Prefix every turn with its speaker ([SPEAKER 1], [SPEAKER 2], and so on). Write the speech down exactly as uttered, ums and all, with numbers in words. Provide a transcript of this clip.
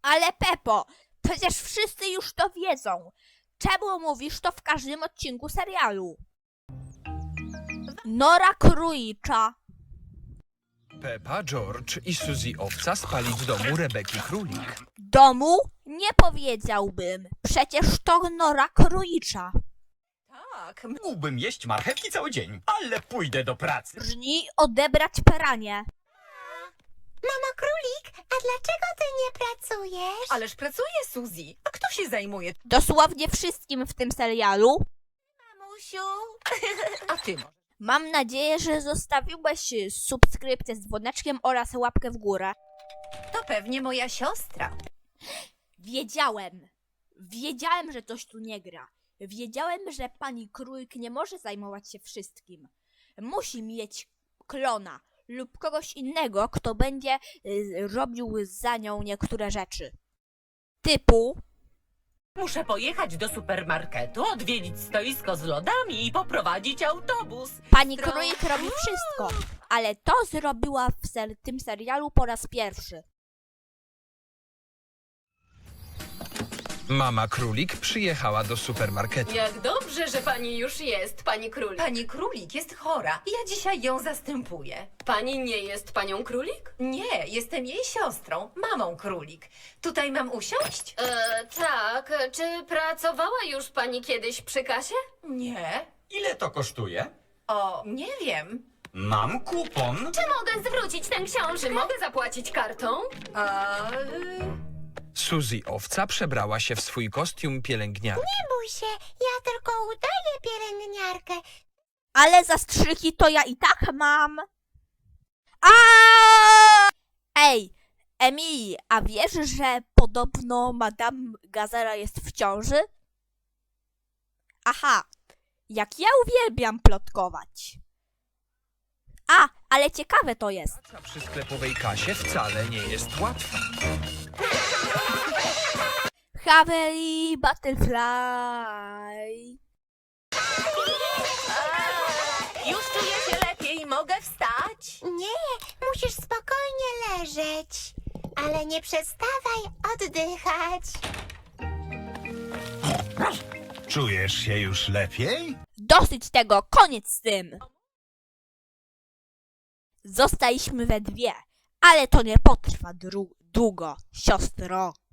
[SPEAKER 1] Ale Pepo, przecież wszyscy już to wiedzą. Czemu mówisz to w każdym odcinku serialu? Nora Królicza.
[SPEAKER 2] Peppa, George i Suzy Owca spali w domu Rebeki Królik.
[SPEAKER 1] Domu? Nie powiedziałbym. Przecież to Nora Królicza.
[SPEAKER 3] Tak, mógłbym jeść marchewki cały dzień, ale pójdę do pracy.
[SPEAKER 1] Brni odebrać pranie.
[SPEAKER 4] Mamo Królik, a dlaczego ty nie pracujesz?
[SPEAKER 5] Ależ pracuje Suzy. A kto się zajmuje?
[SPEAKER 1] Dosłownie wszystkim w tym serialu.
[SPEAKER 4] Mamusiu,
[SPEAKER 5] A ty może.
[SPEAKER 1] Mam nadzieję, że zostawiłeś subskrypcję z dzwoneczkiem oraz łapkę w górę.
[SPEAKER 5] To pewnie moja siostra.
[SPEAKER 1] Wiedziałem. Wiedziałem, że coś tu nie gra. Wiedziałem, że pani Królik nie może zajmować się wszystkim. Musi mieć klona lub kogoś innego, kto będzie y, robił za nią niektóre rzeczy. Typu...
[SPEAKER 6] Muszę pojechać do supermarketu, odwiedzić stoisko z lodami i poprowadzić autobus.
[SPEAKER 1] Pani Królik robi wszystko, ale to zrobiła w ser tym serialu po raz pierwszy.
[SPEAKER 2] Mama Królik przyjechała do supermarketu.
[SPEAKER 7] Jak dobrze, że pani już jest, pani Królik.
[SPEAKER 5] Pani Królik jest chora. Ja dzisiaj ją zastępuję.
[SPEAKER 7] Pani nie jest panią Królik?
[SPEAKER 5] Nie, jestem jej siostrą, mamą Królik. Tutaj mam usiąść?
[SPEAKER 7] E, tak. Czy pracowała już pani kiedyś przy kasie?
[SPEAKER 5] Nie.
[SPEAKER 3] Ile to kosztuje?
[SPEAKER 5] O, nie wiem.
[SPEAKER 3] Mam kupon.
[SPEAKER 7] Czy mogę zwrócić tę książkę? Czy mogę zapłacić kartą?
[SPEAKER 5] A, y,
[SPEAKER 2] Suzy Owca przebrała się w swój kostium pielęgniarki.
[SPEAKER 4] nie bój się, ja tylko udaję pielęgniarkę.
[SPEAKER 1] Ale zastrzyki to ja i tak mam. A! Ej, Emilii, a wiesz, że podobno Madame Gazela jest w ciąży? Aha, jak ja uwielbiam plotkować. A, ale ciekawe to jest.
[SPEAKER 2] Praca przy sklepowej kasie wcale nie jest łatwa.
[SPEAKER 1] Haveli Butterfly.
[SPEAKER 5] już czuję się lepiej, mogę wstać?
[SPEAKER 4] Nie, musisz spokojnie leżeć. Ale nie przestawaj oddychać.
[SPEAKER 8] Czujesz się już lepiej?
[SPEAKER 1] Dosyć tego, koniec z tym. Zostaliśmy we dwie, ale to nie potrwa dru- długo, siostro.